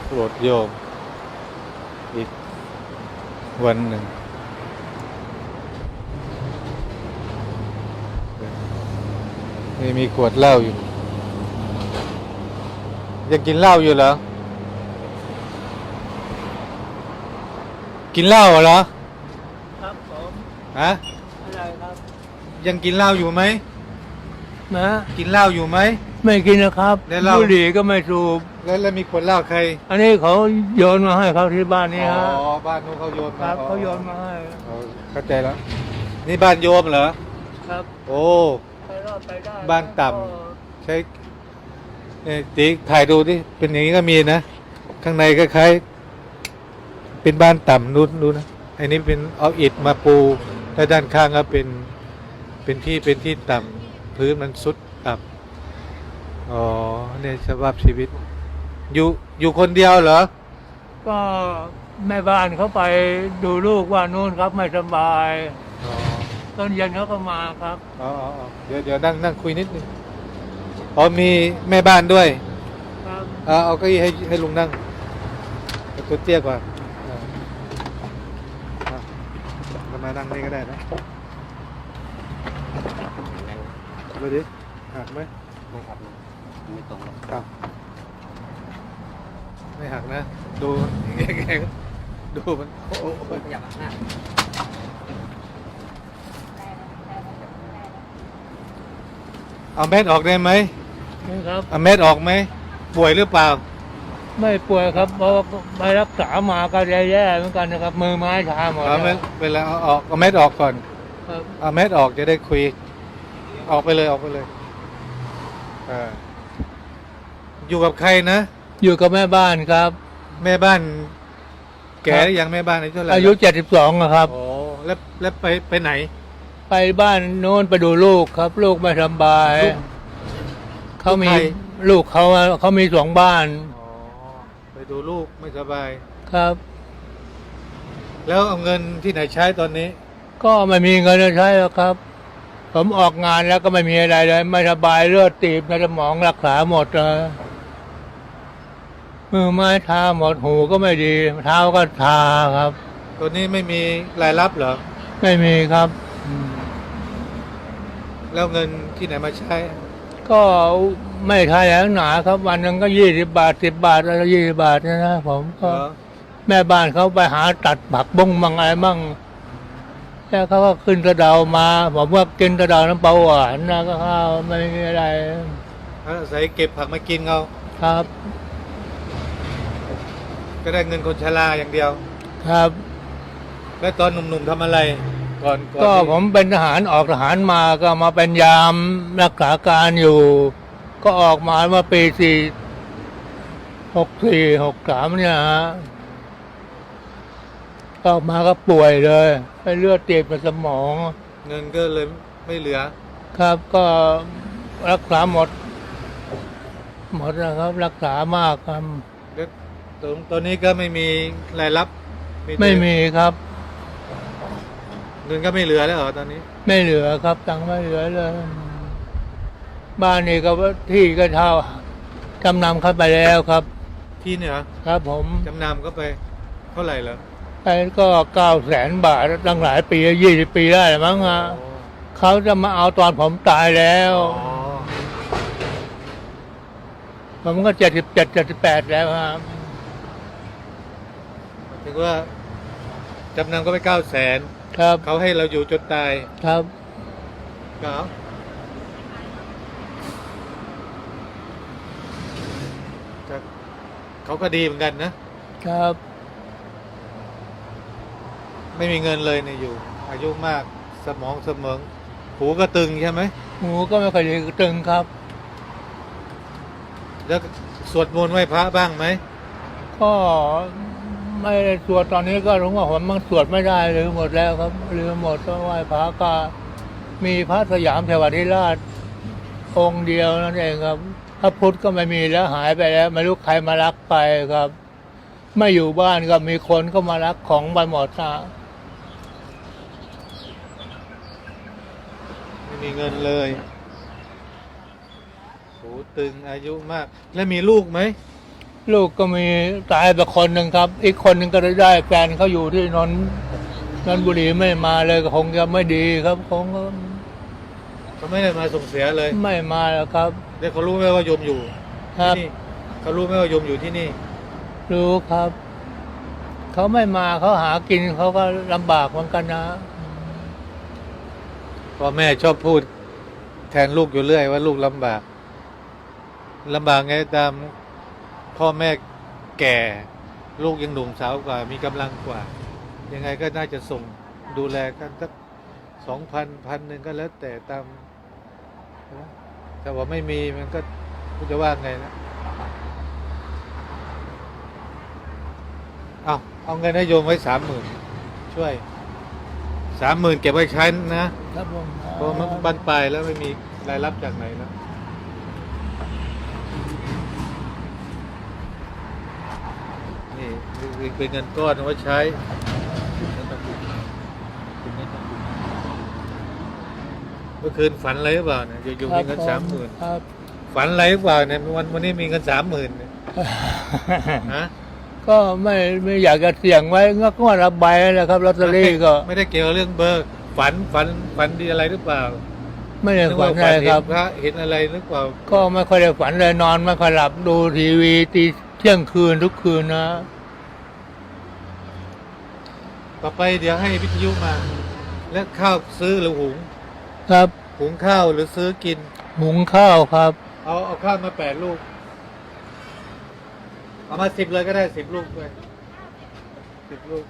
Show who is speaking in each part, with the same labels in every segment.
Speaker 1: โปรดโยมอีกวันหนึ่งนี่มีขวดเหล้าอยู่ยังกินเหล้าอยู่เหรอกินเหล้าเหรอ
Speaker 2: ครับผม
Speaker 1: ฮะ
Speaker 2: อะไรครับ
Speaker 1: ยังกินเหล้าอยู่ไหม
Speaker 2: นะ
Speaker 1: กินเหล้าอยู่ไหม
Speaker 2: ไม่กินนะครับบุหรี่ก็ไม่สูบ
Speaker 1: แล้วมีขวดเหล้าใคร
Speaker 2: อันนี้เขาโยนมาให้เขาที่บ้านนี้ฮะ
Speaker 1: อ๋อบ้านนู้นเขาโยนมา
Speaker 2: เขาโยนมาให้
Speaker 1: เข้าใจแล้วนี่บ้านโยมเหรอ
Speaker 2: ครับ
Speaker 1: โอ้
Speaker 2: ไปรอดไปได้
Speaker 1: บ้านต่ำใช้เนี่ยติ๊กถ่ายดูดิเป็นอย่างนี้ก็มีนะข้างในคล้ายๆเป็นบ้านต่ำนู้นดูนะอันนี้เป็นเอาอิฐมาปูแล้วด้านข้างก็เป็นที่ต่ำพื้นมันสุดต่ำอ๋อเนี่ยสภาพชีวิตอยู่คนเดียวเหรอ
Speaker 2: ก็แม่บ้านเขาไปดูลูกว่านู่นครับไม่สบายตอนเย็นเขาก็มาครับ
Speaker 1: อ๋อเดี๋ยวนั่งคุยนิดนึงอ๋อมีแม่บ้านด้วย
Speaker 2: ครับ
Speaker 1: เอาเก้าอี้ให้ลุงนั่งตัวเตี้ยกว่าเรามานั่งนี่ก็ได้นะดูดิหักไหม
Speaker 3: ไม่หักไม่ตรงหรอก
Speaker 1: ครับไม่หักนะดูแกดูมันโอ้
Speaker 3: ขยับหน้า
Speaker 1: เอาเม็ดออกได้ไหม
Speaker 2: นี่ครับ
Speaker 1: เอาเม็ดออกไหมป่วยหรือเปล่า
Speaker 2: ไม่ป่วยครับเพราะไปรักษามาก็แย่ๆเหมือนกันนะครับมือไม้ชาหมดแล้ว
Speaker 1: เวลาเอาเม็ดออกก่อนเอาเม็ดออกจะได้คุยออกไปเลยอยู่กับใครนะ
Speaker 2: อยู่กับแม่บ้านครับ
Speaker 1: แม่บ้านแก่ยังแม่บ้านอายุเท่าไหร่
Speaker 2: อายุ72ครับ
Speaker 1: โอ้แล้วไปไหน
Speaker 2: ไปบ้านโน้นไปดูลูกครับลูกไม่สบายเขามีลูกเขามี2บ้าน
Speaker 1: ไปดูลูกไม่สบาย
Speaker 2: ครับ
Speaker 1: แล้วเอาเงินที่ไหนใช้ตอนนี้
Speaker 2: ก็ไม่มีเงินใช้แล้วครับผมออกงานแล้วก็ไม่มีอะไรเลยไม่สบายเลือดตีบในสมองรักษาหมดเลยมือไม้ชาหมดหูก็ไม่ดีเท้าก็ชาครับ
Speaker 1: ตัวนี้ไม่มีรายรับเหรอ
Speaker 2: ไม่มีครับ
Speaker 1: แล้วเงินที่ไหนมาใช้
Speaker 2: ก็ไม่ใช่แหนาครับวันหนึ่งก็20 บาท10 บาทอะไร20 บาทนะผมก็แม่บ้านเขาไปหาตัดผักบ้งบางอะไรบ้างแล้วเขาก็ขึ้นกระเดามาผมว่ากินกระเดาน้ำเปล่าหวานนะก็ข้าวไม่มีอะไร
Speaker 1: ใส่เก็บผักมากินเอา
Speaker 2: ครับ
Speaker 1: ก็ได้เงินคนชราอย่างเดียว
Speaker 2: ครับ
Speaker 1: แล้วตอนหนุ่มๆทำอะไรก่อน
Speaker 2: ก็ผมเป็นทหารออกทหารมาก็มาเป็นยามรักษาการอยู่ก็ออกมาเมื่อปี64 63เนี่ยฮะออกมาก็ป่วยเลยให้เลือดตีบในสมอง
Speaker 1: เงินก็เลยไม่เหลือ
Speaker 2: ครับก็รักษาหมดนะครับรักษามากครับ
Speaker 1: ตัวนี้ก็ไม่มีรายรับ
Speaker 2: ไม่มีครับ
Speaker 1: เงินก็ไม่เหลือแล้วเหรอตอนนี้
Speaker 2: ไม่เหลือครับตังค์ไม่เหลือเลยบ้านนี้ก็ที่ก็เช่าจำนำเข้าไปแล้วครับ
Speaker 1: ที่เนี่ย
Speaker 2: ครับผม
Speaker 1: จำนำก็ไปเท่าไหร่แล้ว
Speaker 2: ไปก็900,000 บาทตั้งหลายปี20 ปีได้มั้งฮะเขาจะมาเอาตอนผมตายแล้วผมก็77 78แล้วครับ
Speaker 1: ถึงว่าจำนำก็ไป900,000
Speaker 2: ครับ
Speaker 1: เขาให้เราอยู่จนตาย
Speaker 2: ครับ
Speaker 1: เขาก็ดีเหมือนกันนะครับไม่มีเงินเลยเนี่ยอยู่อายุมากสมองเสมองหูก็ตึงใช่ไหม
Speaker 2: หูก็ไม่ค่อยดีตึงครับ
Speaker 1: แล้วสวดมนต์ไหว้พระบ้างไหม
Speaker 2: ก็ไม่ได้สวดตอนนี้ก็รู้ว่าผมมันสวดไม่ได้ลืมหมดแล้วครับลืมหมดก็ไหว้พระก็มีพระสยามเทวทิราชองค์เดียวนั่นเองครับพระพุทธก็ไม่มีแล้วหายไปแล้วไม่รู้ใครมารักไปครับไม่อยู่บ้านก็มีคนก็มารักของไปหมดนะ
Speaker 1: ไม่มีเงินเลยหูตึงอายุมากแล้วมีลูกไหม
Speaker 2: ลูกก็มีตายไปคนหนึ่งครับ อีกคนหนึ่งก็ได้แฟนเขาอยู่ที่นนทบุรีไม่มาเลยก็คงจะไม่ดีครับคง
Speaker 1: เขาไม่ได้มาส่งเสียเลย
Speaker 2: ไม่มาแล้วครับ
Speaker 1: เดี๋ยวเขารู้ไหมว่าโยมอยู่
Speaker 2: ครับ
Speaker 1: ที่นี่เขารู้ไหมว่าโยมอยู่ที่นี่
Speaker 2: รู้ครับ เขาไม่มาเขาหากินเขาก็ลำบากเหมือนกันนะ
Speaker 1: พ่อแม่ชอบพูดแทนลูกอยู่เรื่อยว่าลูกลำบากไงตามพ่อแม่แก่ ลูกยังหนุ่มสาวกว่า มีกำลังกว่า ยังไงก็น่าจะส่งดูแลกันสัก2,000 1,000ก็แล้วแต่ตามนะแต่ว่าไม่มีมันก็จะว่าไงนะเอาเงินให้โยมไว้30,000ช่วย30,000เก็บไว้ใช้นะครับ
Speaker 2: ผม
Speaker 1: เพราะมันบานปลายแล้วไม่มีรายรับจากไหนแล้วนี่เป็นเงินก้อนเอาไว้ใช้เมื่อคืนฝันอะไรหรือเปล่าเนี่ยอยู่มีเงิน30,000
Speaker 2: ครับ
Speaker 1: ฝันอะไรหรือเปล่าเนี่ยวันนี้มีเงิน30,000เนี่ยฮะ
Speaker 2: ก็ไม่อยากจะเสี่ยงไว้ก็รับใบแหละครับลอตเตอรี่ก็
Speaker 1: ไม่ได้เกี่ยวกับเรื่องเบอร์ฝันดีอะไรหรือเปล่า
Speaker 2: ไม่ได้
Speaker 1: นึก
Speaker 2: ฝั
Speaker 1: ว่าน
Speaker 2: อะไรครับ
Speaker 1: พระเห็นอะไรหรือเปล่า
Speaker 2: ก็ไม่ค่อยได้ฝันเลยนอนไม่ค่อยหลับดูทีวีตีเที่ยงคืนทุกคืนนะ
Speaker 1: ต่อไปเดี๋ยวให้วิทยุมา แล้วข้าวซื้อหรือหุง
Speaker 2: ครับ
Speaker 1: หุงข้าวหรือซื้อกิน
Speaker 2: หุงข้าวครับ
Speaker 1: เอาข้าวมา8 ลูกเอามา10เลยก็ได้10 ลูกด้วย10 ลูก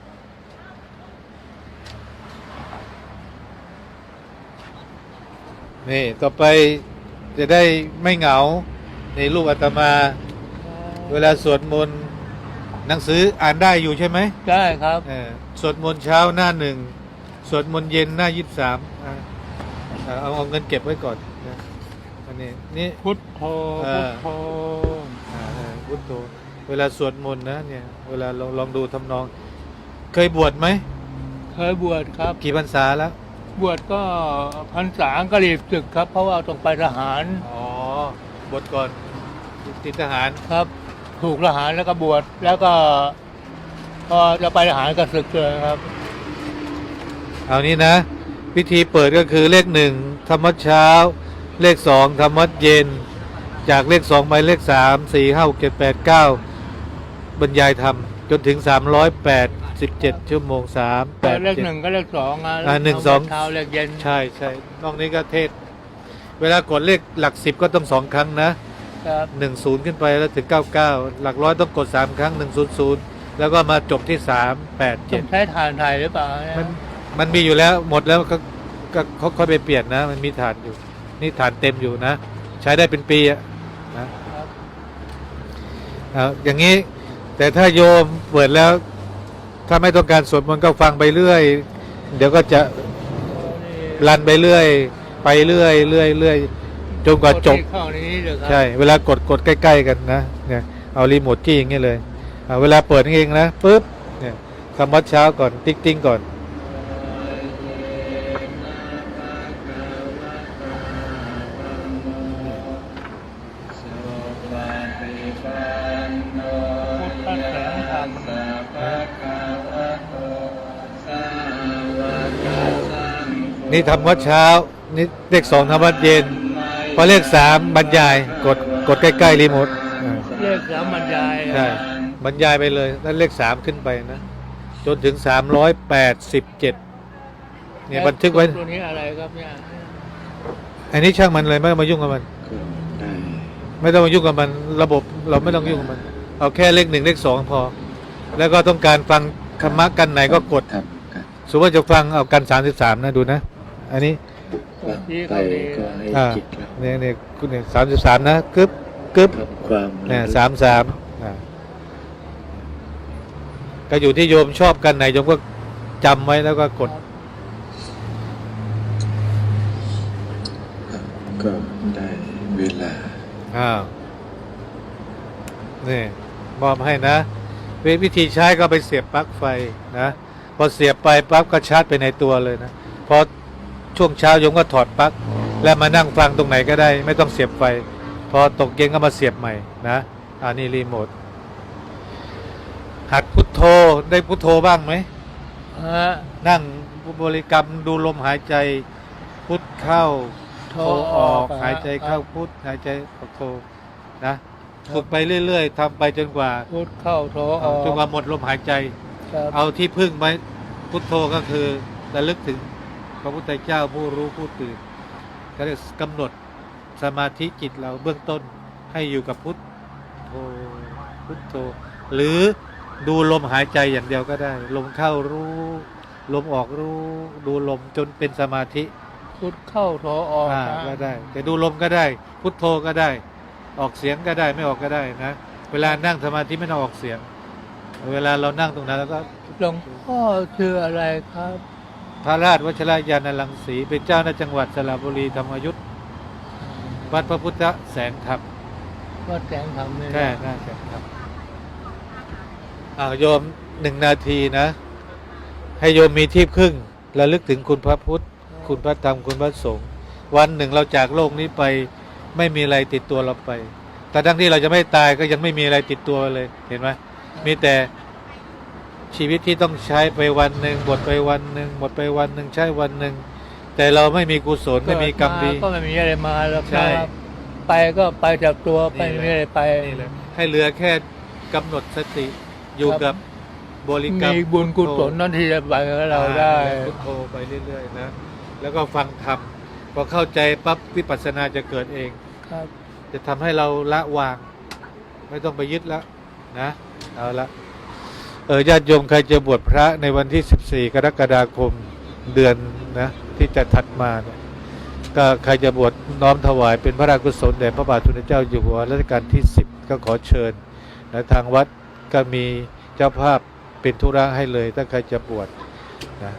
Speaker 1: นี่ต่อไปจะได้ไม่เหงาในลูกอาตมา เวลาสวดมนต์หนังสืออ่านได้อยู่ใช่ไหม
Speaker 2: ได้ครับ
Speaker 1: สวดมนต์เช้าหน้า1สวดมนต์เย็นหน้า23เอาเงินเก็บไว้ก่อนนะอันนี้นี่
Speaker 2: พุทโธ
Speaker 1: อ่า
Speaker 2: พุทโธ
Speaker 1: พุทโธเวลาสวดมนต์นะเนี่ยเวลาลองดูทำนอง เคยบวชไหม
Speaker 2: เคยบวชครับ
Speaker 1: กี่พรรษาแล้ว
Speaker 2: บวชก็พรรษาก็รีบศึกครับ เพราะว่าต้องไปทหาร
Speaker 1: อ๋อ บวชก่อนติดทหาร
Speaker 2: ครับ ถูกทหารแล้วก็บวชแล้วก็พอจะไปทหารก็ศึกเลยครับ
Speaker 1: เอานี้นะ พิธีเปิดก็คือเลข1ธรรมวัดเช้า เลข2ธรรมวัดเย็น จากเลข2ไปเลข3 4 5 6 7 8 9บรรยายธรรมจนถึง387 ชั่วโมง3 8
Speaker 2: เลข
Speaker 1: 7
Speaker 2: 1ก็เลข2อ่ะ
Speaker 1: 1 2
Speaker 2: เช้าเลขเย็น
Speaker 1: ใช่นอกนี้ก็เทศ เวลากดเลขหลัก10ก็ต้อง2 ครั้งนะครับ 10ขึ้นไปแล้วถึง99หลักร้อยต้องกด3 ครั้ง100แล้วก็มาจบที่
Speaker 2: ต้องใช้ฐานไทยหรือเปล่าเนี่ย
Speaker 1: 387มันมีอยู่แล้วหมดแล้วก็เขาค่อยไปเปลี่ยนนะ มันมีฐานอยู่ นี่ฐานเต็มอยู่นะ ใช้ได้เป็นปีอะนะอย่างนี้ แต่ถ้าโยมเปิดแล้ว ถ้าไม่ต้องการสวดมนต์ก็ฟังไปเรื่อย เดี๋ยวก็จะรันไปเรื่อย ไปเรื่อยจนกว่าจบ
Speaker 2: เข้าในนี้เลยครับ
Speaker 1: ใช่ เวลากดใกล้ๆกันนะเนี่ยเอารีโมทจี้อย่างเงี้ยเลยเวลาเปิดเองนะปุ๊บเนี่ยทำวัดเช้าก่อนติ๊งก่อนนี่ทำวัดเช้านี่เลข2ทำวัดเย็นพอเลข3บรรยายกดใกล้ๆรีโมท
Speaker 2: เลข3บรรยาย
Speaker 1: ใช่บรรยายไปเลยแล้วเลข3ขึ้นไปนะจนถึง387เนี่ยบันทึกไว้
Speaker 2: ตัวนี้อะไรครับเนี่ย
Speaker 1: อันนี้ช่างมันเลยไม่ต้องมายุ่งกับมัน ไม่ต้องมายุ่งกับมันระบบเราไม่ต้องยุ่งกับมัน เอาแค่เลข1เลข2พอ แล้วก็ต้องการฟังธรรมะกันไหนก็กดสมมติว่าจะฟังเอากัน33นะดูนะ อันนี้
Speaker 2: ที่
Speaker 4: ไป
Speaker 2: เขาดี
Speaker 4: ก็ให้จิตเรา
Speaker 1: เนี่ยคุณเนี่ย33นะกึ๊บ
Speaker 4: ทำความ
Speaker 1: เนี่ย33ก็อยู่ที่โยมชอบกันไหนโยมก็จำไว้แล้วก็กด
Speaker 4: ก็ได้เวลา
Speaker 1: นี่มอบให้นะวิธีใช้ก็ไปเสียบปลั๊กไฟนะพอเสียบไปปั๊บก็ชาร์จไปในตัวเลยนะพอช่วงเช้าโยมก็ถอดปลั๊กแล้วมานั่งฟังตรงไหนก็ได้ ไม่ต้องเสียบไฟพอตกเย็นก็มาเสียบใหม่นะนี่รีโมทหัดพุทโธได้พุทโธบ้างไหม
Speaker 2: ฮะ
Speaker 1: นั่งบริกรรมดูลมหายใจพุทเข้าโทออกหายใจเข้าพุทหายใจออกโทนะฝึกไปเรื่อยๆทำไปจนกว่า
Speaker 2: พุทเข้าโถออก
Speaker 1: จนกว่าหมดลมหายใจ
Speaker 2: ครับ
Speaker 1: เอาที่พึ่งไว้พุทโธก็คือระลึกถึงพระพุทธเจ้าผู้รู้ผู้ตื่นก็เรียกกำหนดสมาธิจิตเราเบื้องต้นให้อยู่กับพุทโธพุทโธหรือดูลมหายใจอย่างเดียวก็ได้ ลมเข้ารู้ลมออกรู้ดูลมจนเป็นสมาธิ
Speaker 2: พุทเข้าโถออก
Speaker 1: ก็ได้ แต่ดูลมก็ได้ พุทโธก็ได้ ออกเสียงก็ได้ไม่ออกก็ได้นะเวลานั่งสมาธิไม่ต้องออกเสียง เวลาเรานั่งตรงนั้นแล้วก็
Speaker 2: หลวงพ่อชื่ออะไรครับ
Speaker 1: พระราชวชิรยานรังสีเป็นเจ้าในจังหวัดสระบุรีธรรมยุทธวัดพระพุทธแสงธรรม
Speaker 2: ว่าแสงธรรมนี่
Speaker 1: แค่หน้าแสงธรรมโยม1 นาทีนะ ให้โยมมีที่พึ่งระลึกถึงคุณพระพุทธคุณพระธรรมคุณพระสงฆ์วันหนึ่งเราจากโลกนี้ไปไม่มีอะไรติดตัวเราไป แต่ทั้งที่เราจะไม่ตายก็ยังไม่มีอะไรติดตัวเลยเห็นไหมมีแต่ชีวิตที่ต้องใช้ไปวันหนึ่งหมดไปวันหนึ่งหมดไปวันหนึ่งใช้วันหนึ่งแต่เราไม่มีกุศลไม่มีกรรมดี
Speaker 2: ก็ไม่มีอะไรมาแล้ว
Speaker 1: ใช่
Speaker 2: ครับไปก็ไปจากตัวไป
Speaker 1: นี่แหละ
Speaker 2: ไม่มีอะไรไป
Speaker 1: นี่แหละให้เหลือแค่กำหนดสติอยู่กับบริกรรม
Speaker 2: มีบุญกุศลนั่นที่จะไปกับเราได้
Speaker 1: พุทโธไปเรื่อยๆนะแล้วก็ฟังธรรมพอเข้าใจปั๊บวิปัสสนาจะเกิดเอง
Speaker 2: ครับ
Speaker 1: จะทำให้เราละวาง ไม่ต้องไปยึดแล้วนะเอาละญาติโยมใครจะบวชพระในวันที่ 14 กรกฎาคมเดือนนะที่จะถัดมาเนี่ยก็ใครจะบวชน้อมถวายเป็นพระราชกุศลแด่พระบาทสมเด็จเจ้าอยู่หัวรัชกาลที่ 10 ก็ขอเชิญนะทางวัดก็มีเจ้าภาพเป็นธุระให้เลยถ้าใครจะบวชนะ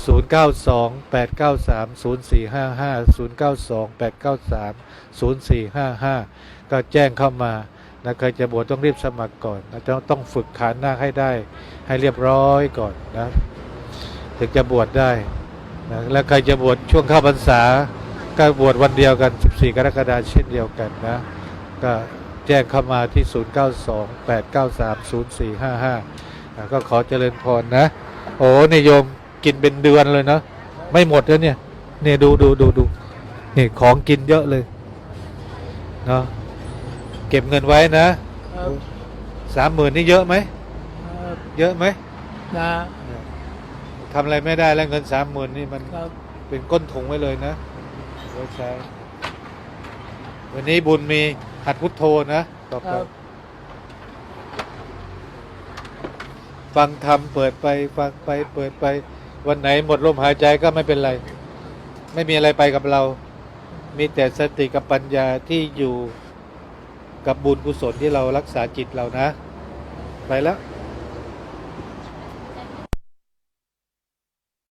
Speaker 1: 0928930455 ก็แจ้งเข้ามานะใครจะบวชต้องรีบสมัครก่อนนะต้องฝึกขานนาคให้ได้ให้เรียบร้อยก่อนนะถึงจะบวชได้นะแล้วใครจะบวชช่วงเข้าพรรษาก็บวชวันเดียวกัน14 กรกฎาคมเช่นเดียวกันนะก็แจ้งเข้ามาที่0928930455ก็ขอเจริญพรนะโอ้นี่โยมกินเป็นเดือนเลยนะไม่หมดแล้วเนี่ยนี่ดูนี่ของกินเยอะเลยเนาะเก็บเงินไว้นะครับ 30,000นี่เยอะไหม
Speaker 2: ครับ
Speaker 1: เยอะไหม
Speaker 2: นะ
Speaker 1: ทำอะไรไม่ได้แล้วเงิน 30,000นี่มัน
Speaker 2: ครับ
Speaker 1: เป็นก้นถุงไว้เลยนะไว้ใช้วันนี้บุญมีหัดพุทโธนะต่อ
Speaker 2: ค
Speaker 1: ไป
Speaker 2: รับ
Speaker 1: ฟังธรรมเปิดไปฟังไปเปิดไปวันไหนหมดลมหายใจก็ไม่เป็นไร ไม่มีอะไรไปกับเรา มีแต่สติกับปัญญาที่อยู่กับบุญกุศลที่เรารักษาจิตเรานะ ไปแล้ว